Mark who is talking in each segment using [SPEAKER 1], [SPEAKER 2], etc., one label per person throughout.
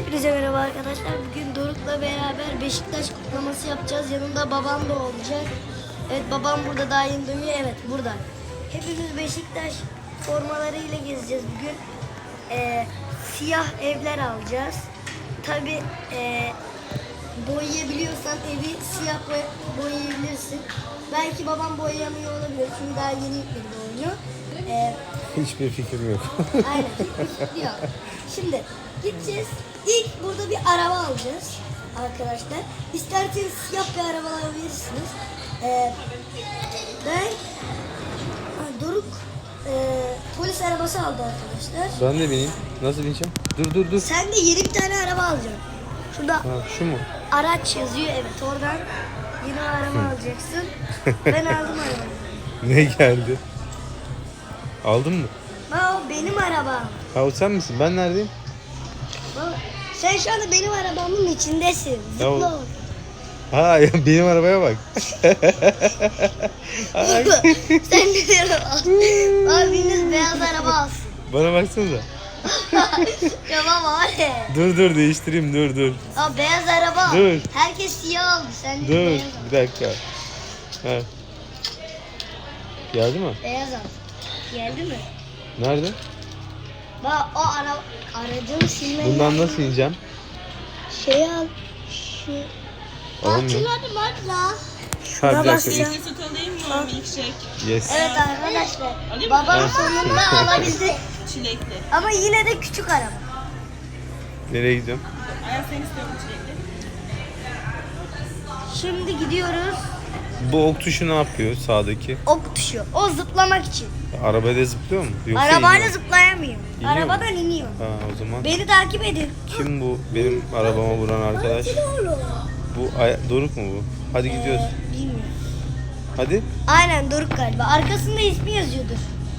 [SPEAKER 1] Hepinize merhaba arkadaşlar. Bugün Doruk'la beraber Beşiktaş kutlaması yapacağız. Yanında babam da olacak. Evet, babam burada, daha yeni dönüyor. Evet, burada. Hepimiz Beşiktaş formalarıyla gezeceğiz bugün. Siyah evler alacağız. Tabi boyayabiliyorsan evi siyah boyayabilirsin. Belki babam boyayamıyor olabilir. Çünkü daha yeni yükledi oyunu.
[SPEAKER 2] Hiçbir fikrim yok.
[SPEAKER 1] Aynen, hiçbir fikri yok. Şimdi gideceğiz. İlk burada bir araba alacağız arkadaşlar. İsterseniz siyah bir araba alabilirsiniz. Doruk polis arabası aldı arkadaşlar.
[SPEAKER 2] Ben de bineyim. Nasıl bineceğim? Dur.
[SPEAKER 1] Sen de yeni bir tane araba alacaksın. Şurada
[SPEAKER 2] Ha, şu mu?
[SPEAKER 1] araç yazıyor, evet, oradan yeni araba alacaksın. Ben aldım arabayı.
[SPEAKER 2] Ne geldi? Aldın mı?
[SPEAKER 1] O benim arabam.
[SPEAKER 2] Ha, o sen misin? Ben neredeyim?
[SPEAKER 1] Baba, sen şu anda benim arabamın içindesin.
[SPEAKER 2] Ya o-
[SPEAKER 1] Zıpla orada.
[SPEAKER 2] Ha ya, benim arabaya bak.
[SPEAKER 1] Sen de diyorum. Abiniz beyaz araba alsın.
[SPEAKER 2] Bana baksanıza.
[SPEAKER 1] Ya baba, hadi.
[SPEAKER 2] Dur değiştireyim, dur.
[SPEAKER 1] Aa, beyaz araba al.
[SPEAKER 2] Dur.
[SPEAKER 1] Herkes siyah aldı. Sen de
[SPEAKER 2] Dur
[SPEAKER 1] beyaz al.
[SPEAKER 2] bir dakika. Ha. Geldi mi?
[SPEAKER 1] Beyaz al. Geldi mi?
[SPEAKER 2] Nerede?
[SPEAKER 1] Bak, o aracını silmen
[SPEAKER 2] Bundan
[SPEAKER 1] lazım.
[SPEAKER 2] nasıl ineceğim?
[SPEAKER 1] Şey al. Şu.
[SPEAKER 2] Olmuyor.
[SPEAKER 1] Hadi la.
[SPEAKER 2] Ha,
[SPEAKER 1] Şuna
[SPEAKER 2] bir dakika.
[SPEAKER 1] basacağım.
[SPEAKER 3] Süt alayım mı? Milkshake.
[SPEAKER 2] Yes.
[SPEAKER 1] Evet arkadaşlar.
[SPEAKER 3] Alayım mı?
[SPEAKER 1] Babam sonunda alabildi.
[SPEAKER 3] Çilekli.
[SPEAKER 1] Ama yine de küçük araba.
[SPEAKER 2] Nereye gidiyorum?
[SPEAKER 3] Ayaz sen istiyor musun çilekli?
[SPEAKER 1] Şimdi gidiyoruz.
[SPEAKER 2] Bu ok tuşu ne yapıyor sağdaki?
[SPEAKER 1] Ok tuşu. O zıplamak için.
[SPEAKER 2] Arabada zıplıyor mu? Yoksa
[SPEAKER 1] Arabayla
[SPEAKER 2] iniyor mu?
[SPEAKER 1] zıplayamıyor.
[SPEAKER 2] İniyor mu?
[SPEAKER 1] Arabadan iniyor.
[SPEAKER 2] Ha, o zaman.
[SPEAKER 1] Beni takip edin.
[SPEAKER 2] Kim bu benim arabama vuran arkadaş? Bu Doruk mu bu? Hadi gidiyoruz.
[SPEAKER 1] Bilmiyorum.
[SPEAKER 2] Hadi.
[SPEAKER 1] Aynen, Doruk galiba. Arkasında ismi yazıyordur.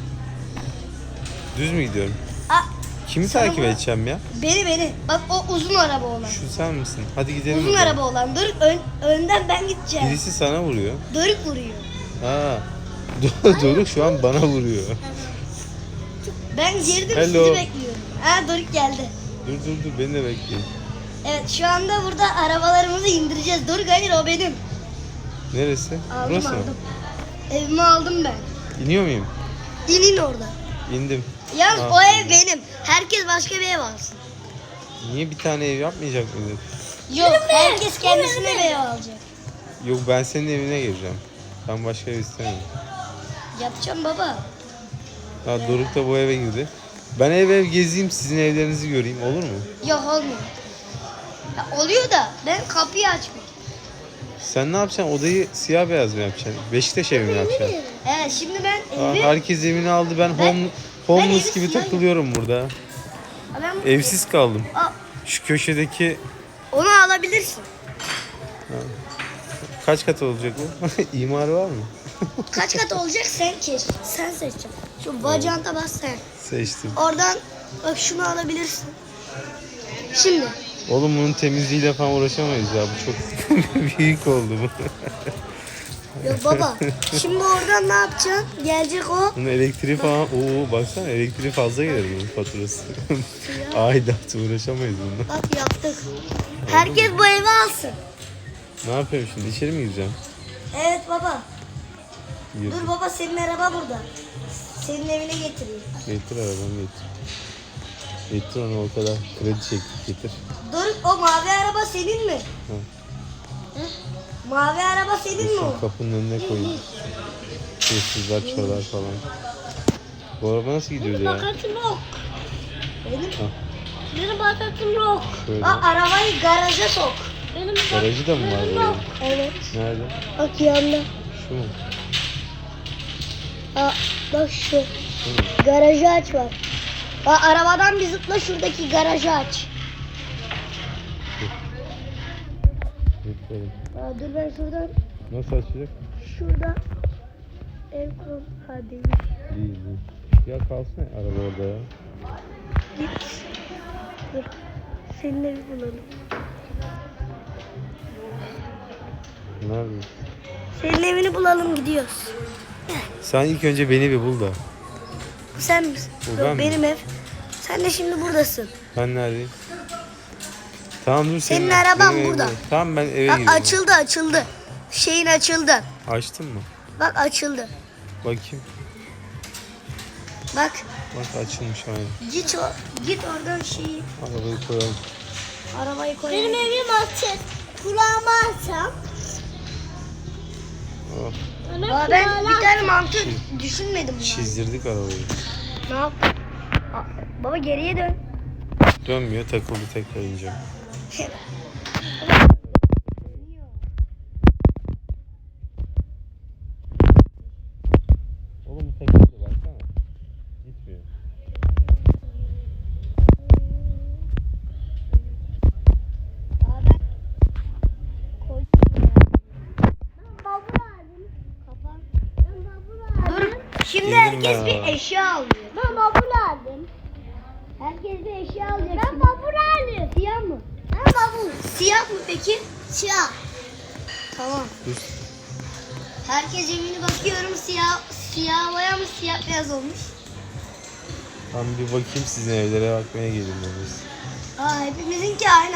[SPEAKER 2] Düz mü gidiyorum?
[SPEAKER 1] Aa,
[SPEAKER 2] Kimi
[SPEAKER 1] sana
[SPEAKER 2] takip
[SPEAKER 1] bu-
[SPEAKER 2] edeceğim ya?
[SPEAKER 1] Beni. Bak, o uzun araba olan.
[SPEAKER 2] Şu sen misin? Hadi gidelim.
[SPEAKER 1] Uzun
[SPEAKER 2] o zaman.
[SPEAKER 1] araba olan. Doruk önden ben gideceğim.
[SPEAKER 2] Birisi sana vuruyor.
[SPEAKER 1] Doruk vuruyor.
[SPEAKER 2] Ha. Doruk şu an bana vuruyor.
[SPEAKER 1] Ben girdim,
[SPEAKER 2] Hello.
[SPEAKER 1] sizi bekliyorum. Ha, Doruk geldi.
[SPEAKER 2] Dur beni de bekleyin.
[SPEAKER 1] Evet, şu anda burada arabalarımızı indireceğiz. Doruk, hayır, o benim.
[SPEAKER 2] Neresi?
[SPEAKER 1] Aldım.
[SPEAKER 2] Burası mı?
[SPEAKER 1] Evimi aldım ben.
[SPEAKER 2] İniyor muyum?
[SPEAKER 1] İnin orada.
[SPEAKER 2] İndim.
[SPEAKER 1] Yalnız
[SPEAKER 2] Ah,
[SPEAKER 1] o ev
[SPEAKER 2] indim.
[SPEAKER 1] benim. Herkes başka bir ev alsın.
[SPEAKER 2] Niye bir tane ev yapmayacak mıydık?
[SPEAKER 1] Yok, herkes kendisine bir ev alacak.
[SPEAKER 2] Yok, ben senin evine geleceğim. Ben başka ev istemiyorum.
[SPEAKER 1] Yapacağım baba.
[SPEAKER 2] Ha, Doruk da bu eve girdi. Ben ev gezeyim, sizin evlerinizi göreyim, olur mu?
[SPEAKER 1] Yok, olmuyor. Ya, oluyor da ben kapıyı açmıyorum.
[SPEAKER 2] Sen ne yapacaksın? Odayı siyah beyaz mı yapacaksın? Beşiktaş evi mi yapacaksın?
[SPEAKER 1] Evet, şimdi ben
[SPEAKER 2] Aa,
[SPEAKER 1] evi...
[SPEAKER 2] herkes evini aldı. Ben
[SPEAKER 1] evi
[SPEAKER 2] homeless gibi
[SPEAKER 1] siyah
[SPEAKER 2] takılıyorum burada.
[SPEAKER 1] Ben...
[SPEAKER 2] Evsiz kaldım.
[SPEAKER 1] Aa,
[SPEAKER 2] Şu köşedeki
[SPEAKER 1] onu alabilirsin.
[SPEAKER 2] kaç kat olacak bu? İmar var mı?
[SPEAKER 1] Kaç kat olacak sen sen seçeceksin. Şu bacağına bas sen.
[SPEAKER 2] Seçtim.
[SPEAKER 1] Oradan bak, şunu alabilirsin. Şimdi
[SPEAKER 2] Oğlum bunun temizliğiyle falan uğraşamayız ya. Bu çok büyük oldu bu.
[SPEAKER 1] yok baba. Şimdi oradan ne yapacaksın? Gelecek o.
[SPEAKER 2] Bunun elektriği falan. Oo, baksana, elektriği fazla gelir bunun faturası. Aidat, uğraşamayız bununla.
[SPEAKER 1] Bak, yaptık. Herkes bu evi alsın.
[SPEAKER 2] Ne yapıyorum şimdi? İçeri mi gireceğim?
[SPEAKER 1] Evet baba.
[SPEAKER 2] Gir.
[SPEAKER 1] Dur baba, senin araba burada. Senin evine getireyim.
[SPEAKER 2] Getir arabanı getir. Getir onu, o kadar. Kredi çektik, getir.
[SPEAKER 1] Dur, o mavi araba senin mi?
[SPEAKER 2] Ha.
[SPEAKER 1] Hı? Mavi araba senin mi o?
[SPEAKER 2] Şu kapının önüne koyayım. Hırsızlar çalar falan. Bu araba nasıl gidiyor ya?
[SPEAKER 1] Bakatım yok. Benim?
[SPEAKER 2] Ha.
[SPEAKER 1] Benim bakatım yok.
[SPEAKER 2] Şöyle.
[SPEAKER 1] Arabayı garaja sok. Benim
[SPEAKER 2] Garajı da mı var böyle?
[SPEAKER 1] Evet.
[SPEAKER 2] Nerede?
[SPEAKER 1] Bak, yanında.
[SPEAKER 2] Şu mu?
[SPEAKER 1] Bak şu. Garajı aç var. Arabadan bir zıpla, şuradaki garajı aç.
[SPEAKER 2] Bekleyelim.
[SPEAKER 1] Dur, ben şuradan.
[SPEAKER 2] Nasıl açacak?
[SPEAKER 1] Şurada. Ev kur. Hadi
[SPEAKER 2] Değil. Ya kalsın araba orada ya.
[SPEAKER 1] git. Dur. Senin evi bulalım.
[SPEAKER 2] Nerede?
[SPEAKER 1] Senin evini bulalım, gidiyoruz.
[SPEAKER 2] Sen ilk önce beni bir bul da.
[SPEAKER 1] Sen misin?
[SPEAKER 2] Bu
[SPEAKER 1] Yok,
[SPEAKER 2] ben mi?
[SPEAKER 1] benim ev. Sen de şimdi buradasın.
[SPEAKER 2] Ben neredeyim? Tamam dur
[SPEAKER 1] Senin araban
[SPEAKER 2] benim
[SPEAKER 1] burada.
[SPEAKER 2] evde. Tamam ben eve
[SPEAKER 1] Bak
[SPEAKER 2] giriyorum.
[SPEAKER 1] açıldı. Şeyin açıldı.
[SPEAKER 2] Açtın mı?
[SPEAKER 1] Bak açıldı.
[SPEAKER 2] Bakayım.
[SPEAKER 1] Bak
[SPEAKER 2] Bak açılmış aynen.
[SPEAKER 1] git oradan şeyi.
[SPEAKER 2] Arabayı koyalım.
[SPEAKER 1] Arabayı koy.
[SPEAKER 4] Benim evim açık. Kulağıma açsam.
[SPEAKER 2] Oh,
[SPEAKER 1] Aa, ben bir tane mantı düşünmedim. ben.
[SPEAKER 2] çizdirdik arabayı.
[SPEAKER 1] Ne yap? Baba geriye dön.
[SPEAKER 2] Dönmüyor, takıldı, tekrar ineceğim. Oğlum bu takıldı baksana. Gitmiyor.
[SPEAKER 1] Dur. Şimdi
[SPEAKER 2] Girdim
[SPEAKER 1] herkes
[SPEAKER 2] ben
[SPEAKER 1] bir
[SPEAKER 2] arabaya.
[SPEAKER 1] eşya alıyor.
[SPEAKER 4] Ben bavul aldım.
[SPEAKER 1] Herkes bir eşya alacak.
[SPEAKER 4] Ben bavul aldım.
[SPEAKER 1] Siyah mı?
[SPEAKER 4] Ben bavul.
[SPEAKER 1] Siyah mı peki?
[SPEAKER 4] Siyah.
[SPEAKER 1] Tamam.
[SPEAKER 2] Dur.
[SPEAKER 1] Herkes evine bakıyorum. Siyah boya mı siyah beyaz olmuş.
[SPEAKER 2] Ben bir bakayım sizin evlere bakmaya gelin biz.
[SPEAKER 1] Aa hepimizinki aynı.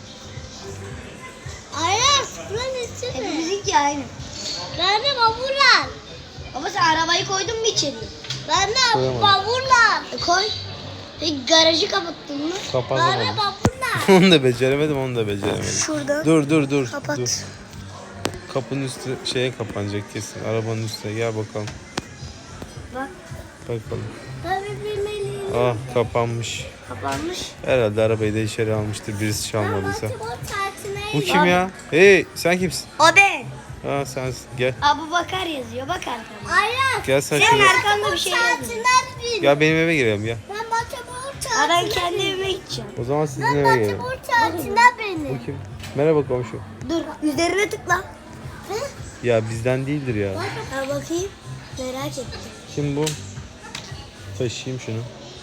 [SPEAKER 4] Aynen sıfırın içi mi?
[SPEAKER 1] Hepimizinki aynı.
[SPEAKER 4] Ben de bavul al.
[SPEAKER 1] Baba sen arabayı koydun mu içeriye?
[SPEAKER 4] Ben de
[SPEAKER 2] Koyamadım.
[SPEAKER 4] bavul al.
[SPEAKER 1] Koy. Peki garajı kapattın mı?
[SPEAKER 4] Ben de
[SPEAKER 2] Kapatamadım.
[SPEAKER 4] bavul al.
[SPEAKER 2] Onu da beceremedim, onu da beceremedim.
[SPEAKER 1] Şuradan.
[SPEAKER 2] Dur.
[SPEAKER 1] Kapat.
[SPEAKER 2] Dur. Kapının üstü şeye kapanacak kesin. Arabanın üstüne gel bakalım.
[SPEAKER 1] Bak
[SPEAKER 2] Bakalım.
[SPEAKER 4] Ben bilmeliyim.
[SPEAKER 2] Ah kapanmış.
[SPEAKER 1] kapanmış.
[SPEAKER 2] Herhalde arabayı da içeri almıştır birisi çalmadıysa.
[SPEAKER 4] Bu tatiline
[SPEAKER 2] Bu kim ya? Hey sen kimsin?
[SPEAKER 1] O ben.
[SPEAKER 2] Ha sensin. Gel.
[SPEAKER 1] Abu Bakar yazıyor. Bak arkana.
[SPEAKER 4] Aynen.
[SPEAKER 2] Gel sen
[SPEAKER 1] Senin
[SPEAKER 2] şuraya.
[SPEAKER 1] arkanda bir şey yazıyor.
[SPEAKER 4] Tatilden bin.
[SPEAKER 2] Gel benim eve girelim gel.
[SPEAKER 4] Ben Batımur
[SPEAKER 1] Ha ben
[SPEAKER 4] tatiline
[SPEAKER 1] kendi evime gideceğim.
[SPEAKER 2] O zaman sizin
[SPEAKER 4] Ben
[SPEAKER 2] eve girelim.
[SPEAKER 4] Batımur tatiline benim.
[SPEAKER 2] Bu kim? Merhaba komşu.
[SPEAKER 1] Dur üzerine tıkla.
[SPEAKER 2] Ya bizden değildir ya.
[SPEAKER 1] Ha bakayım. Merak ettim.
[SPEAKER 2] Kim bu? Taşıyayım şunu.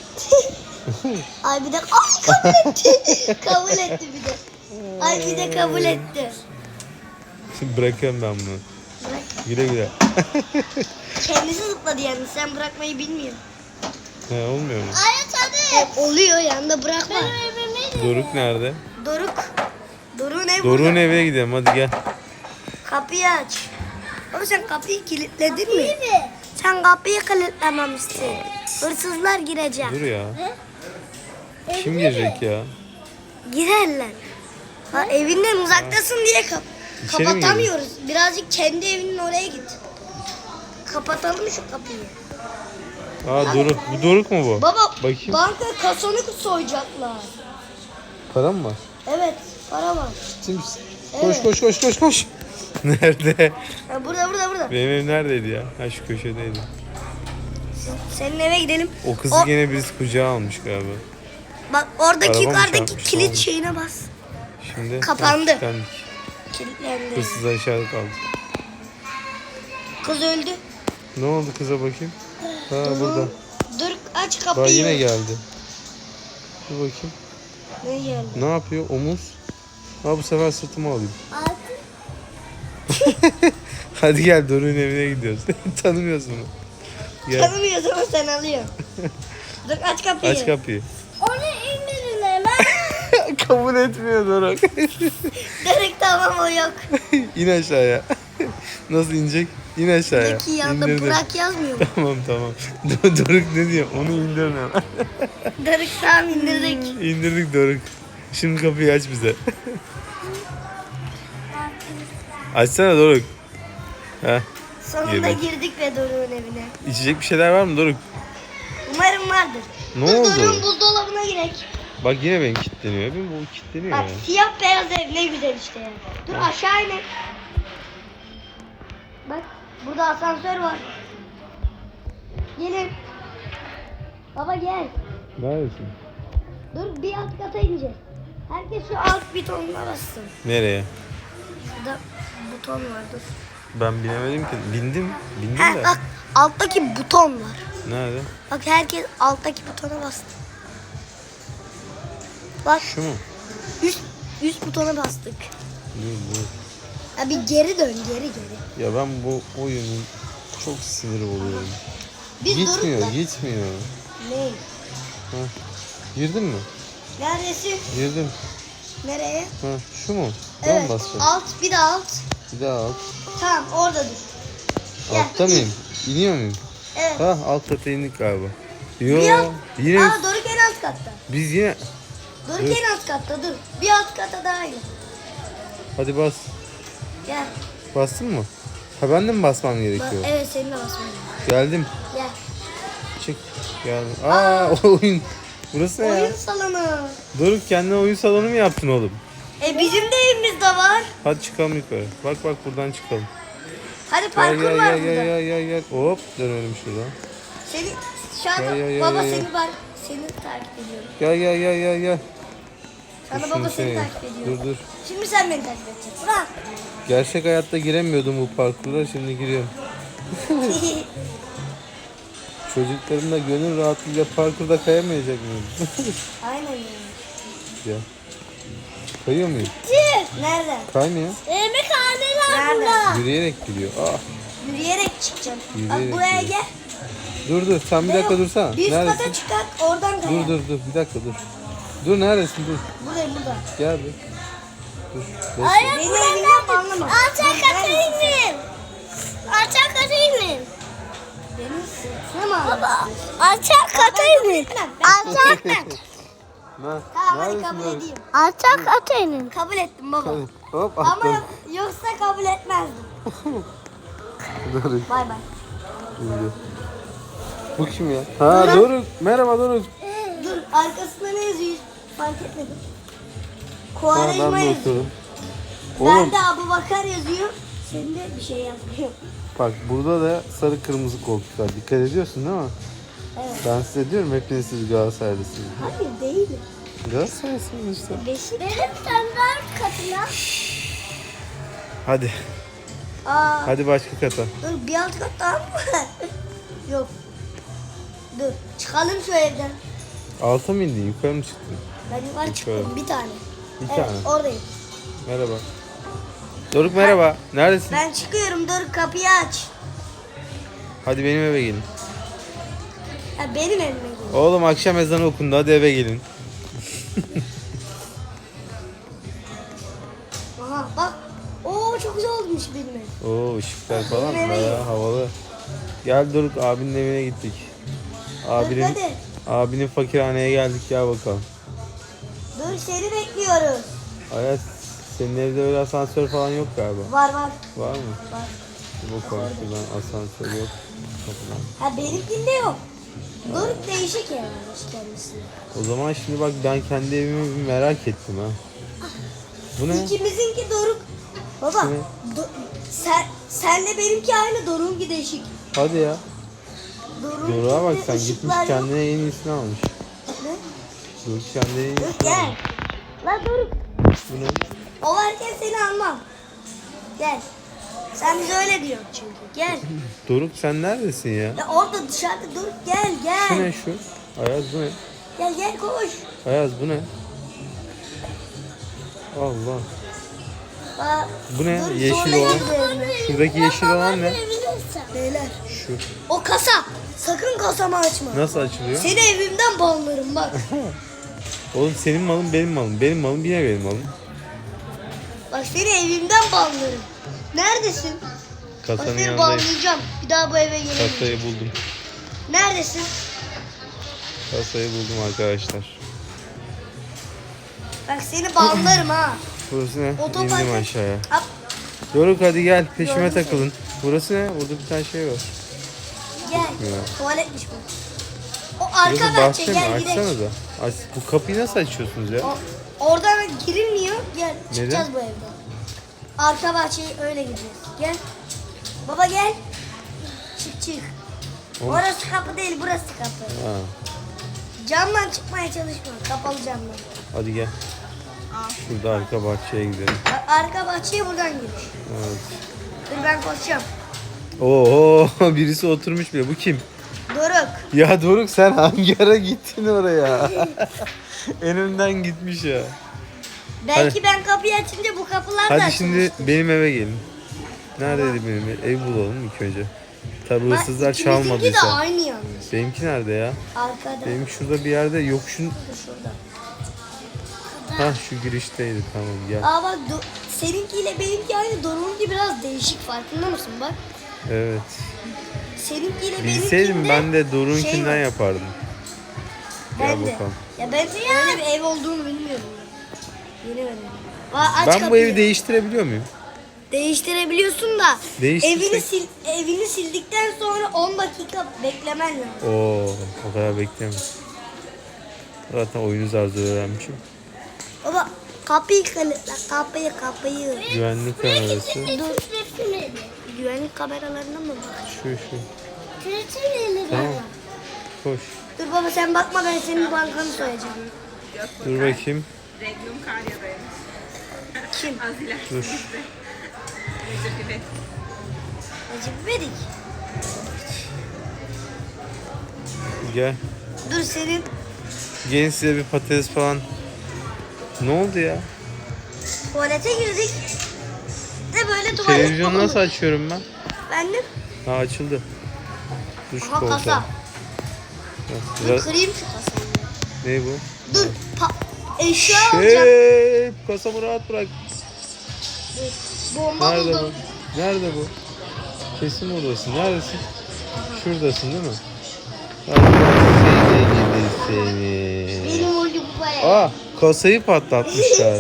[SPEAKER 1] Ay bir de kabul etti. Kabul etti bir de. Ay bir de kabul etti.
[SPEAKER 2] Şimdi bırakıyorum ben bunu.
[SPEAKER 1] Bırak.
[SPEAKER 2] Güle güle.
[SPEAKER 1] Kendisi zıpladı yani. Sen bırakmayı bilmiyorsun.
[SPEAKER 2] He olmuyor mu?
[SPEAKER 4] Aynen hadi.
[SPEAKER 1] Oluyor yanında bırakma.
[SPEAKER 4] Benim evime
[SPEAKER 2] Doruk nerede?
[SPEAKER 1] Doruk'un ev
[SPEAKER 2] Doruk'un
[SPEAKER 1] burada.
[SPEAKER 2] evine gidelim hadi gel.
[SPEAKER 1] Kapıyı aç. Ama sen kapıyı kilitledin mi?
[SPEAKER 4] İyi mi?
[SPEAKER 1] Sen kapıyı kilitlememişsin. Hırsızlar girecek.
[SPEAKER 2] Dur ya. Kim girecek ya?
[SPEAKER 1] Girerler. Ha, evinden uzaktasın diye
[SPEAKER 2] İçeri mi
[SPEAKER 1] kapatamıyoruz. Birazcık kendi evinin oraya git. Kapatalım şu kapıyı.
[SPEAKER 2] Aa Doruk. Bu Doruk mu bu?
[SPEAKER 1] Baba
[SPEAKER 2] Bakayım.
[SPEAKER 1] banka kasonu soyacaklar.
[SPEAKER 2] Para mı var?
[SPEAKER 1] Evet para var.
[SPEAKER 2] Ciddi misin?
[SPEAKER 1] Evet.
[SPEAKER 2] Koş. Nerede?
[SPEAKER 1] Ha, burada.
[SPEAKER 2] Benim ev neredeydi ya? Ha şu köşedeydi.
[SPEAKER 1] Senin eve gidelim.
[SPEAKER 2] O kızı
[SPEAKER 1] O-
[SPEAKER 2] gene birisi kucağa almış galiba.
[SPEAKER 1] Bak oradaki
[SPEAKER 2] Araba mı
[SPEAKER 1] yukarıdaki
[SPEAKER 2] çarpmış,
[SPEAKER 1] kilit
[SPEAKER 2] oldu?
[SPEAKER 1] şeyine bas.
[SPEAKER 2] Şimdi
[SPEAKER 1] Kapandı.
[SPEAKER 2] kilitlendik.
[SPEAKER 1] Kilitlendi.
[SPEAKER 2] Hırsızlar içeride kaldı.
[SPEAKER 1] Kız öldü.
[SPEAKER 2] Ne oldu kıza bakayım? Ha burada.
[SPEAKER 1] Dur aç
[SPEAKER 2] Bak
[SPEAKER 1] kapıyı.
[SPEAKER 2] yine geldi. Dur bakayım.
[SPEAKER 1] Ne geldi?
[SPEAKER 2] Ne yapıyor? Omuz. Ha bu sefer sırtıma alayım.
[SPEAKER 4] Altı.
[SPEAKER 2] Hadi gel Doruk'un evine gidiyoruz. Tanımıyorsun onu. Gel
[SPEAKER 1] Tanımıyorsun ama sen alıyorsun. Dur aç kapıyı.
[SPEAKER 2] aç kapıyı.
[SPEAKER 4] Onu indirin hemen.
[SPEAKER 2] Kabul etmiyor Doruk.
[SPEAKER 1] Direkt tamam o yok.
[SPEAKER 2] İn aşağıya. Nasıl inecek? İn aşağıya.
[SPEAKER 1] Buradaki yanda
[SPEAKER 2] İndirdim.
[SPEAKER 1] Burak yazmıyor mu?
[SPEAKER 2] Tamam. Doruk ne diyor? Onu indirin hemen.
[SPEAKER 1] Direkt tamam indirdik.
[SPEAKER 2] İndirdik Doruk. Şimdi kapıyı aç bize. Açsana Doruk. Heh.
[SPEAKER 1] Sonunda
[SPEAKER 2] Girdik.
[SPEAKER 1] girdik ve Doruk'un evine.
[SPEAKER 2] İçecek bir şeyler var mı Doruk?
[SPEAKER 1] Umarım vardır.
[SPEAKER 2] Ne
[SPEAKER 1] Dur,
[SPEAKER 2] oldu?
[SPEAKER 1] Doruk'un buzdolabına girek.
[SPEAKER 2] Bak yine benim kilitleniyor. Benim bu kilitleniyor
[SPEAKER 1] Bak
[SPEAKER 2] ya.
[SPEAKER 1] siyah beyaz ev ne güzel işte ya. Dur aşağı inelim. Bak burada asansör var. Gelin. Baba gel.
[SPEAKER 2] Neredesin?
[SPEAKER 1] Dur bir alt kata ineceğiz. Herkes şu alt butonuna bassın.
[SPEAKER 2] Nereye?
[SPEAKER 1] Şurada buton var dur.
[SPEAKER 2] Ben binemedim ki. Bindim
[SPEAKER 1] Ha,
[SPEAKER 2] de.
[SPEAKER 1] bak alttaki buton var.
[SPEAKER 2] Nerede?
[SPEAKER 1] Bak herkes alttaki butona bastı. Bak
[SPEAKER 2] Şu mu?
[SPEAKER 1] üst butona bastık.
[SPEAKER 2] Dur.
[SPEAKER 1] Ya bir geri dön geri.
[SPEAKER 2] Ya ben bu oyunun çok sinir oluyorum.
[SPEAKER 1] Biz
[SPEAKER 2] Gitmiyor.
[SPEAKER 1] Ne?
[SPEAKER 2] Girdin mi?
[SPEAKER 1] Neredesin?
[SPEAKER 2] Girdim.
[SPEAKER 1] Nereye?
[SPEAKER 2] Ha, şu mu? Buna
[SPEAKER 1] Evet.
[SPEAKER 2] mı basacağım?
[SPEAKER 1] Alt, bir de alt.
[SPEAKER 2] Bir daha alt.
[SPEAKER 1] Tamam, orada dur. Gel.
[SPEAKER 2] Altta mıyım? İniyor muyum?
[SPEAKER 1] Evet.
[SPEAKER 2] Ha, alt kata indik galiba. Yo,
[SPEAKER 1] Bir alt.
[SPEAKER 2] yine
[SPEAKER 1] Aa, Doruk en alt katta.
[SPEAKER 2] biz yine...
[SPEAKER 1] Doruk
[SPEAKER 2] Evet.
[SPEAKER 1] en alt katta, dur. Bir alt kata daha in.
[SPEAKER 2] Hadi bas.
[SPEAKER 1] Gel.
[SPEAKER 2] Bastın mı? Ha, ben de mi basmam gerekiyor?
[SPEAKER 1] Evet, seninle basmam.
[SPEAKER 2] Geldim.
[SPEAKER 1] Gel.
[SPEAKER 2] Çık. Geldim. Aa, oyun. Burası ne ya?
[SPEAKER 1] Oyun salonu.
[SPEAKER 2] Doruk, kendine oyun salonu mu yaptın oğlum?
[SPEAKER 1] Bizim de evimizde var.
[SPEAKER 2] Hadi çıkalım yukarı. Bak buradan çıkalım.
[SPEAKER 1] Hadi
[SPEAKER 2] Gel
[SPEAKER 1] parkur
[SPEAKER 2] gel
[SPEAKER 1] var
[SPEAKER 2] gel
[SPEAKER 1] burada.
[SPEAKER 2] gel. Hop, dönelim şuradan.
[SPEAKER 1] Seni şu anda
[SPEAKER 2] Gel, gel,
[SPEAKER 1] baba
[SPEAKER 2] gel, gel.
[SPEAKER 1] seni takip ediyorum.
[SPEAKER 2] Gel.
[SPEAKER 1] Şu anda
[SPEAKER 2] Dur,
[SPEAKER 1] baba
[SPEAKER 2] şunu
[SPEAKER 1] seni
[SPEAKER 2] şey-
[SPEAKER 1] takip ediyor.
[SPEAKER 2] Dur.
[SPEAKER 1] Şimdi sen beni takip edeceksin. Bırak.
[SPEAKER 2] Gerçek hayatta giremiyordum bu parkurlara, şimdi giriyorum. Çocuklarım da gönül rahatlığıyla parkurda kayamayacak mıyım?
[SPEAKER 1] Aynen ya.
[SPEAKER 2] Ya. Kayıyor muyum?
[SPEAKER 1] Nereden?
[SPEAKER 2] Kaymıyor.
[SPEAKER 4] Yemekhaneler
[SPEAKER 1] Nereden?
[SPEAKER 4] burada.
[SPEAKER 2] Yürüyerek gidiyor. Ah.
[SPEAKER 1] Yürüyerek çıkacağım.
[SPEAKER 2] Yürüyerek
[SPEAKER 1] Bak buraya
[SPEAKER 2] gidiyor.
[SPEAKER 1] gel.
[SPEAKER 2] Dur sen bir dakika dursana.
[SPEAKER 1] Bir üst
[SPEAKER 2] Neredesin?
[SPEAKER 1] kata çıkart oradan kaya.
[SPEAKER 2] Dur bir dakika dur. Dur, neredesin, dur.
[SPEAKER 1] Buradayım burada.
[SPEAKER 2] Gel bir. Dur. Bekle.
[SPEAKER 1] Beni evinden banlama.
[SPEAKER 4] Alçak kata inin. Alçak kata inin.
[SPEAKER 1] Beni sırtına mı aldın?
[SPEAKER 4] Baba. Alçak kata inin. Alçak kata.
[SPEAKER 2] Ha,
[SPEAKER 1] Tamam, hadi
[SPEAKER 2] neredesin
[SPEAKER 1] kabul
[SPEAKER 2] Doruk?
[SPEAKER 1] edeyim.
[SPEAKER 4] Alçak kata inin.
[SPEAKER 1] Kabul ettim baba.
[SPEAKER 2] Hadi, hop
[SPEAKER 1] Ama
[SPEAKER 2] attım.
[SPEAKER 1] yoksa kabul etmezdim.
[SPEAKER 2] Doruk
[SPEAKER 1] Bay bay.
[SPEAKER 2] indi. Bu kim ya? Ha, Doruk. Merhaba Doruk.
[SPEAKER 1] Dur, arkasında ne yazıyor? Fark etmedim.
[SPEAKER 2] Ha,
[SPEAKER 1] Kuarajma
[SPEAKER 2] ben de
[SPEAKER 1] yazıyor.
[SPEAKER 2] oturdum. Oğlum
[SPEAKER 1] Ben de Abu Bakar yazıyor. Senin de bir şey yazmıyor.
[SPEAKER 2] bak, burada da sarı kırmızı koltuklar. Dikkat ediyorsun değil mi?
[SPEAKER 1] Evet.
[SPEAKER 2] Ben size diyorum, hepiniz siz Galatasaraylısınız.
[SPEAKER 1] Hayır değil.
[SPEAKER 2] Galatasaraylısınız işte.
[SPEAKER 4] Benim standart katına.
[SPEAKER 2] Hadi.
[SPEAKER 1] Aa,
[SPEAKER 2] Hadi başka kata.
[SPEAKER 1] dur bir alt kat daha mı var? Yok. Dur, çıkalım şu evden.
[SPEAKER 2] Alta mı indin? Yukarı mı çıktın?
[SPEAKER 1] Ben yukarı çıktım bir tane.
[SPEAKER 2] Bir
[SPEAKER 1] Evet,
[SPEAKER 2] tane.
[SPEAKER 1] oradayım.
[SPEAKER 2] Merhaba. Doruk merhaba. Neredesin?
[SPEAKER 1] Ben çıkıyorum, dur kapıyı aç.
[SPEAKER 2] Hadi benim eve gelin.
[SPEAKER 1] Ha, benim evime gel.
[SPEAKER 2] Oğlum, akşam ezanı okundu. Hadi eve gelin.
[SPEAKER 1] Aha bak. Oo, çok güzel olmuş benim ev.
[SPEAKER 2] Oo, ışıklar falan
[SPEAKER 1] Benim eve
[SPEAKER 2] bayağı havalı. Gel Doruk, abinin evine gittik.
[SPEAKER 1] Hadi.
[SPEAKER 2] Abinin fakirhaneye geldik, gel bakalım.
[SPEAKER 1] Dur, seni bekliyoruz.
[SPEAKER 2] Ayaz, senin evde öyle asansör falan yok galiba.
[SPEAKER 1] Var.
[SPEAKER 2] Var mı?
[SPEAKER 1] Var.
[SPEAKER 2] Bir bakalım şuradan, asansör yok. Kapıdan.
[SPEAKER 1] Ha, benimkinde yok. Doruk değişik evmiş kendisi.
[SPEAKER 2] O zaman şimdi bak, ben kendi evimi bir merak ettim ha. Bu ne?
[SPEAKER 1] İkimizinki Doruk. Baba,
[SPEAKER 2] Bu ne?
[SPEAKER 1] senle benimki aynı, Doruk'unki değişik.
[SPEAKER 2] Hadi ya.
[SPEAKER 1] Doruk'unki
[SPEAKER 2] Doruk'a bak,
[SPEAKER 1] de
[SPEAKER 2] sen gitmiş
[SPEAKER 1] ışıklar yok.
[SPEAKER 2] kendine en iyisini almış.
[SPEAKER 1] Ne?
[SPEAKER 2] Doruk kendine en iyisini
[SPEAKER 1] Doruk gel.
[SPEAKER 2] almış.
[SPEAKER 1] La Doruk.
[SPEAKER 2] Bu ne?
[SPEAKER 1] O varken seni almam. Gel. Sen bize öyle diyorsun çünkü. Gel.
[SPEAKER 2] Doruk, sen neredesin ya?
[SPEAKER 1] Ya orada dışarıda Doruk, gel
[SPEAKER 2] Şu
[SPEAKER 1] gel.
[SPEAKER 2] ne şu? Ayaz, bu ne?
[SPEAKER 1] Gel koş.
[SPEAKER 2] Ayaz, bu ne? Allah.
[SPEAKER 1] Bak,
[SPEAKER 2] Bu ne?
[SPEAKER 1] Doruk,
[SPEAKER 2] Yeşil
[SPEAKER 1] zorla
[SPEAKER 2] olan.
[SPEAKER 1] girdi evime.
[SPEAKER 2] Şuradaki yeşil olan ne?
[SPEAKER 1] Beyler.
[SPEAKER 2] Şu.
[SPEAKER 1] O kasa. Sakın kasamı açma.
[SPEAKER 2] Nasıl açılıyor?
[SPEAKER 1] Seni evimden banlarım bak.
[SPEAKER 2] Oğlum, senin malın benim malım. Benim malım yine benim malım.
[SPEAKER 1] Bak seni evimden banlarım. Neredesin? Bak
[SPEAKER 2] Kasanın
[SPEAKER 1] seni
[SPEAKER 2] yanındayım.
[SPEAKER 1] banlayacağım. Bir daha bu eve gelemeyeceğim.
[SPEAKER 2] Kasayı buldum.
[SPEAKER 1] Neredesin?
[SPEAKER 2] Kasayı buldum arkadaşlar.
[SPEAKER 1] Bak seni banlarım ha.
[SPEAKER 2] Burası ne?
[SPEAKER 1] Otoparka-
[SPEAKER 2] İndim aşağıya.
[SPEAKER 1] Hop,
[SPEAKER 2] Doruk, hadi gel, peşime
[SPEAKER 1] Gördüm
[SPEAKER 2] takılın. Burası ne? Burada bir tane şey var.
[SPEAKER 1] gel.
[SPEAKER 2] Ya.
[SPEAKER 1] Tuvaletmiş bu. O arka
[SPEAKER 2] Burası
[SPEAKER 1] bahçe,
[SPEAKER 2] bahçe mi?
[SPEAKER 1] gel gidelim.
[SPEAKER 2] Açsana da. Aç. Bu kapıyı nasıl açıyorsunuz ya?
[SPEAKER 1] Oradan girilmiyor. Gel çıkacağız bu evden. Arka bahçeye öyle gideceğiz. Gel. Baba gel. Çık.
[SPEAKER 2] Oğlum.
[SPEAKER 1] Orası kapı değil, burası kapı.
[SPEAKER 2] Ha.
[SPEAKER 1] Camdan çıkmaya çalışma. Kapalı camdan.
[SPEAKER 2] Hadi gel. Şurada arka bahçeye gidelim.
[SPEAKER 1] Bak, arka bahçeye buradan giriş.
[SPEAKER 2] Evet.
[SPEAKER 1] Dur ben koşacağım.
[SPEAKER 2] Oo, birisi oturmuş bile. Bu kim?
[SPEAKER 1] Doruk.
[SPEAKER 2] Ya Doruk, sen hangi ara gittin oraya? En önden gitmiş ya.
[SPEAKER 1] Belki ben kapıyı açınca bu kapılar da
[SPEAKER 2] Hadi
[SPEAKER 1] açılır.
[SPEAKER 2] şimdi benim eve gelin. Neredeydi benim ev? Ev bulalım ilk önce. Tabii
[SPEAKER 1] Bak,
[SPEAKER 2] hırsızlar
[SPEAKER 1] ikimizinki de
[SPEAKER 2] çalmadıysa.
[SPEAKER 1] aynı yalnız.
[SPEAKER 2] Benimki nerede ya?
[SPEAKER 1] Arkada.
[SPEAKER 2] Benim şurada bir yerde yok.
[SPEAKER 1] Dur şurada.
[SPEAKER 2] Ha şu girişteydi, tamam gel.
[SPEAKER 1] Aa bak seninkiyle benimki aynı. Doruk'unki biraz değişik, farkında mısın bak.
[SPEAKER 2] Evet.
[SPEAKER 1] Seninkiyle
[SPEAKER 2] Bilseydim
[SPEAKER 1] benimkinde
[SPEAKER 2] ben de
[SPEAKER 1] şey
[SPEAKER 2] Doruk'unkinden
[SPEAKER 1] var.
[SPEAKER 2] yapardım. Gel
[SPEAKER 1] Ben de.
[SPEAKER 2] bakalım.
[SPEAKER 1] Ya ben öyle bir ev olduğunu bilmiyordum. Yeni öğrendim. Aç
[SPEAKER 2] Ben bu
[SPEAKER 1] kapıyı.
[SPEAKER 2] evi değiştirebiliyor muyum?
[SPEAKER 1] Değiştirebiliyorsun da
[SPEAKER 2] Değiştirsek-
[SPEAKER 1] evini sildikten sonra 10 dakika beklemen lazım.
[SPEAKER 2] Oo, o kadar bekleyemem. Zaten oyunu zar zor öğrenmişim.
[SPEAKER 1] Baba kapıyı kilitle, kapıyı.
[SPEAKER 2] Güvenlik kamerası.
[SPEAKER 1] Güvenlik kameralarına mı bak?
[SPEAKER 2] Şu. Tamam. Koş.
[SPEAKER 1] Dur baba sen bakma, ben senin bankanı soyacağım.
[SPEAKER 2] Dur bakayım.
[SPEAKER 3] Regnum Karya'daymış.
[SPEAKER 1] Kim?
[SPEAKER 3] Az ileride.
[SPEAKER 2] Dur.
[SPEAKER 3] Recep İvedik.
[SPEAKER 1] Recep İvedik.
[SPEAKER 2] Gel.
[SPEAKER 1] Dur senin
[SPEAKER 2] Gelin size bir patates falan. Ne oldu ya?
[SPEAKER 1] tuvalete girdik. De böyle tuvalet
[SPEAKER 2] Televizyonu nasıl
[SPEAKER 1] olmuş.
[SPEAKER 2] açıyorum ben?
[SPEAKER 1] Ben de.
[SPEAKER 2] Ha, açıldı. Dur şu
[SPEAKER 1] Aha
[SPEAKER 2] koltuğa.
[SPEAKER 1] kasa. Dur
[SPEAKER 2] Biraz...
[SPEAKER 1] kırayım şu kasayı.
[SPEAKER 2] Ne bu?
[SPEAKER 1] Dur eşya alacağım.
[SPEAKER 2] Kasamı rahat bırak.
[SPEAKER 1] Dur, bomba
[SPEAKER 2] Nerede
[SPEAKER 1] buldum.
[SPEAKER 2] bu? Nerede bu? Kesin buradasın. Neredesin? Şuradasın değil mi? Seni gidi seni.
[SPEAKER 1] Benim oyunu bu bayağı.
[SPEAKER 2] Aa, kasayı patlatmışlar.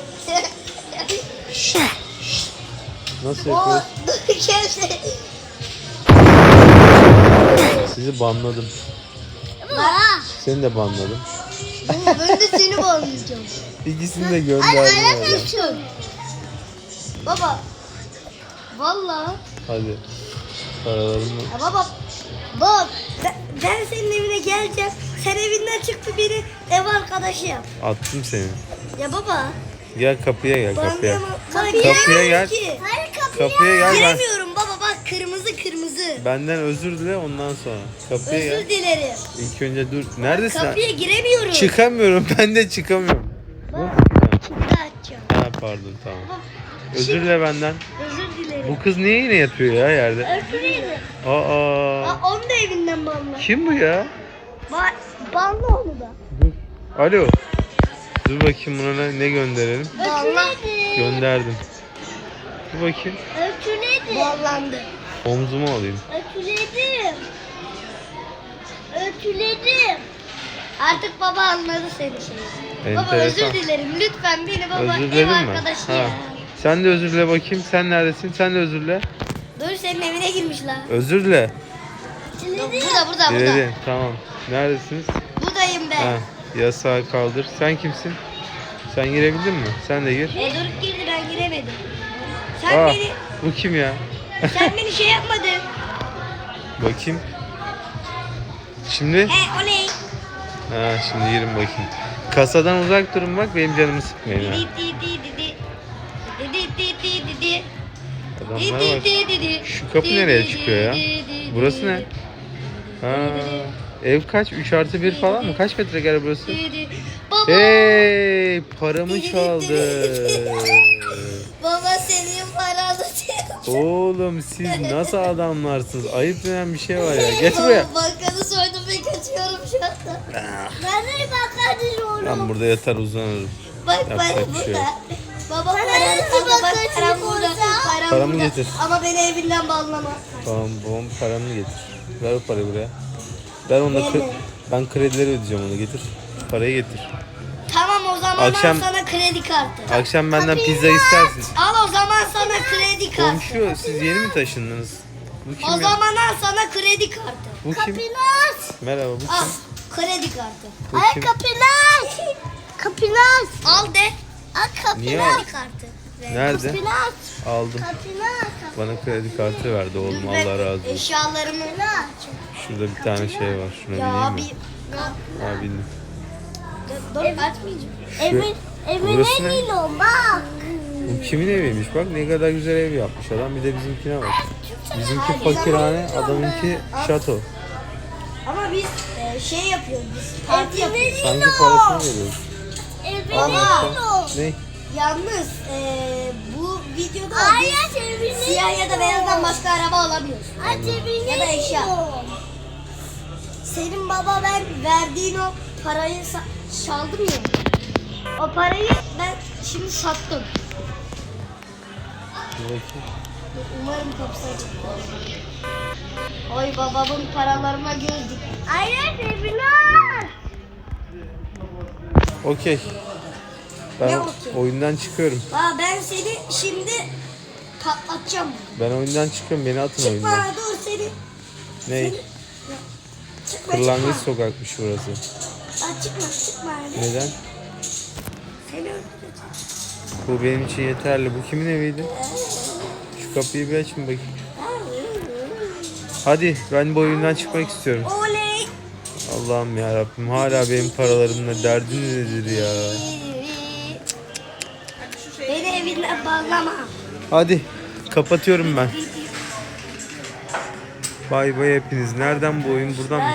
[SPEAKER 2] Nasıl
[SPEAKER 1] O
[SPEAKER 2] yapıyoruz?
[SPEAKER 1] dur kimse.
[SPEAKER 2] Sizi banladım.
[SPEAKER 1] Baba.
[SPEAKER 2] Seni de banladım.
[SPEAKER 1] Ben de seni bağlayacağım.
[SPEAKER 2] İkisini de gönderdim oradan.
[SPEAKER 1] Açın. Baba. Vallahi.
[SPEAKER 2] Hadi. Paralarımı.
[SPEAKER 1] Ya baba. Baba ben senin evine geleceğim. Sen evinden çıktı beni ev arkadaşı yap.
[SPEAKER 2] Attım seni.
[SPEAKER 1] Ya baba.
[SPEAKER 2] Gel kapıya gel kapıya.
[SPEAKER 1] Kapıya
[SPEAKER 2] gel.
[SPEAKER 1] Ki.
[SPEAKER 4] Hayır kapıyı.
[SPEAKER 2] Kapıya gel ben.
[SPEAKER 1] Giremiyorum baba, bak kırmızı.
[SPEAKER 2] Benden özür dile ondan sonra. Kapıya
[SPEAKER 1] Özür
[SPEAKER 2] gel.
[SPEAKER 1] dilerim.
[SPEAKER 2] İlk önce dur. Neredesin?
[SPEAKER 1] Kapıya giremiyorum.
[SPEAKER 2] Çıkamıyorum. Ben de çıkamıyorum.
[SPEAKER 1] Bak.
[SPEAKER 2] Nasıl?
[SPEAKER 1] Şimdi açacağım.
[SPEAKER 2] Ha pardon tamam.
[SPEAKER 1] Baba,
[SPEAKER 2] Özür dile benden.
[SPEAKER 1] özür dilerim.
[SPEAKER 2] Bu kız niye yine yatıyor ya yerde?
[SPEAKER 1] Özür dilerim.
[SPEAKER 2] Aa.
[SPEAKER 1] Onu da evinden banla.
[SPEAKER 2] Kim bu ya?
[SPEAKER 1] Banla onu da.
[SPEAKER 2] Dur. Alo. Dur bakayım buna ne gönderelim.
[SPEAKER 1] Banla.
[SPEAKER 2] Gönderdim. Dur bakayım.
[SPEAKER 4] Ötüledim.
[SPEAKER 1] Banlandı.
[SPEAKER 2] Omzuma alayım.
[SPEAKER 4] Ötüledim. Ötüledim.
[SPEAKER 1] Artık baba anladı seni şeyi. Baba
[SPEAKER 2] Enteresan.
[SPEAKER 1] özür dilerim. Lütfen beni baba
[SPEAKER 2] Özür
[SPEAKER 1] ev
[SPEAKER 2] diledin mi?
[SPEAKER 1] arkadaşı
[SPEAKER 2] Ha.
[SPEAKER 1] ya.
[SPEAKER 2] Sen de özür dile bakayım. Sen neredesin? Sen de özür dile.
[SPEAKER 1] Dur senin evine girmişler.
[SPEAKER 2] Özür dile.
[SPEAKER 1] Burada.
[SPEAKER 2] Diledin. Tamam. Neredesiniz?
[SPEAKER 1] Buradayım ben.
[SPEAKER 2] Ha. Yasağı kaldır. Sen kimsin? Sen girebildin mi? Sen de gir.
[SPEAKER 1] Doruk girdi, ben giremedim. Sen
[SPEAKER 2] Aa,
[SPEAKER 1] beni
[SPEAKER 2] bu kim ya?
[SPEAKER 1] sen şey yapmadın.
[SPEAKER 2] Bakayım. Şimdi?
[SPEAKER 1] Oley.
[SPEAKER 2] Ha, şimdi girin bakayım. Kasadan uzak durun bak, benim canımı sıkmayın ha. Adamlar var. Şu kapı nereye çıkıyor ya? Burası ne? Ha, ev kaç? 3+1 falan mı? Kaç metrekare burası?
[SPEAKER 1] Baba.
[SPEAKER 2] Hey, paramı çaldı.
[SPEAKER 1] Baba senin paranı
[SPEAKER 2] Oğlum siz nasıl adamlarsınız? Ayıp denen bir şey var ya. Geç buraya.
[SPEAKER 1] Bankanı soydum ve kaçıyorum şu anda.
[SPEAKER 4] Ben de bakardım.
[SPEAKER 2] Ben burada yatar uzanırım.
[SPEAKER 1] Bak
[SPEAKER 2] Yapacak bir şey yok.
[SPEAKER 1] Baba param burada.
[SPEAKER 2] Paramı
[SPEAKER 1] burada.
[SPEAKER 2] getir.
[SPEAKER 1] Ama beni evinden bağlama.
[SPEAKER 2] Tamam babam paramı getir. Ver o parayı buraya. Ben onunla
[SPEAKER 1] Verme.
[SPEAKER 2] ben kredileri ödeyeceğim, onu getir. Parayı getir.
[SPEAKER 1] Tamam o zaman
[SPEAKER 2] Akşam-
[SPEAKER 1] al sana kredi kartı.
[SPEAKER 2] Akşam benden pizza istersin.
[SPEAKER 1] Al o zaman sana kredi kartı.
[SPEAKER 2] Komşu siz yeni mi taşındınız? Bu kim
[SPEAKER 1] O
[SPEAKER 2] ya?
[SPEAKER 1] zaman al sana kredi kartı.
[SPEAKER 2] Bu kim?
[SPEAKER 4] Kapılar.
[SPEAKER 2] Merhaba bu
[SPEAKER 1] Al
[SPEAKER 2] kim?
[SPEAKER 1] kredi kartı.
[SPEAKER 2] Bu
[SPEAKER 4] Ay
[SPEAKER 2] kim?
[SPEAKER 4] kapılar. Kapılar.
[SPEAKER 1] Al de.
[SPEAKER 4] Ay
[SPEAKER 2] Niye
[SPEAKER 4] kapılar.
[SPEAKER 2] al?
[SPEAKER 1] Kredi kartı. Ver.
[SPEAKER 2] Nerede?
[SPEAKER 4] Kapılar.
[SPEAKER 2] Aldım.
[SPEAKER 4] Kapılar.
[SPEAKER 2] Bana kredi kartı verdi oğlum,
[SPEAKER 1] Dur,
[SPEAKER 2] Allah
[SPEAKER 1] ben
[SPEAKER 2] razı olsun.
[SPEAKER 1] Eşyalarımı.
[SPEAKER 2] Şurada bir tane şey var. Şuna
[SPEAKER 1] Ya
[SPEAKER 2] bineyim
[SPEAKER 1] bir.
[SPEAKER 2] mi? Ha bindim.
[SPEAKER 1] Dur açmayacağım.
[SPEAKER 4] Evin
[SPEAKER 2] Burası ne?
[SPEAKER 4] evine iniyorum bak.
[SPEAKER 2] Bu kimin eviymiş bak, ne kadar güzel ev yapmış adam, bir de bizimkine bak. Bizimki fakirhane, adamınki şato.
[SPEAKER 1] Ama biz şey yapıyoruz. Biz parti yapıyoruz.
[SPEAKER 2] Sanki parasını veriyoruz.
[SPEAKER 4] Evine
[SPEAKER 2] Al bakalım.
[SPEAKER 4] iniyorum.
[SPEAKER 2] Ne?
[SPEAKER 1] Yalnız bu videoda
[SPEAKER 4] Ay
[SPEAKER 1] biz
[SPEAKER 4] evine
[SPEAKER 1] siyah ya da beyazdan başka araba alamıyoruz.
[SPEAKER 4] Ay evine
[SPEAKER 1] Ya da eşya.
[SPEAKER 4] iniyorum.
[SPEAKER 1] Senin baba ben verdiğin o parayı çaldım ya. O parayı ben şimdi sattım.
[SPEAKER 2] Dur bakayım.
[SPEAKER 1] Umarım kapısı açık. Oy babamın paralarıma göz dikti.
[SPEAKER 4] Hayır Febinaz.
[SPEAKER 2] Okey. Ben
[SPEAKER 1] Ne okey?
[SPEAKER 2] oyundan çıkıyorum.
[SPEAKER 1] Aa, ben seni şimdi patlatacağım.
[SPEAKER 2] Ben oyundan çıkıyorum. Beni atın
[SPEAKER 1] Çıkma
[SPEAKER 2] oyundan.
[SPEAKER 1] dur seni.
[SPEAKER 2] Ne?
[SPEAKER 1] Çıkma
[SPEAKER 2] Kırlangıç
[SPEAKER 1] çıkma.
[SPEAKER 2] sokakmış burası.
[SPEAKER 1] Aa, çıkma.
[SPEAKER 2] Neden?
[SPEAKER 1] Seni öldüreceğim.
[SPEAKER 2] Bu benim için yeterli. Bu kimin eviydi? Şu kapıyı bir açın bakayım. Hadi ben bu oyundan çıkmak istiyorum.
[SPEAKER 1] Oley.
[SPEAKER 2] Allah'ım ya Rabbim, hala benim paralarımla derdiniz nedir ya?
[SPEAKER 3] Hadi şu şeyi.
[SPEAKER 1] Beni evinden bağlama.
[SPEAKER 2] Hadi kapatıyorum ben. Bay bay hepiniz. Nereden bu oyun? Buradan mı?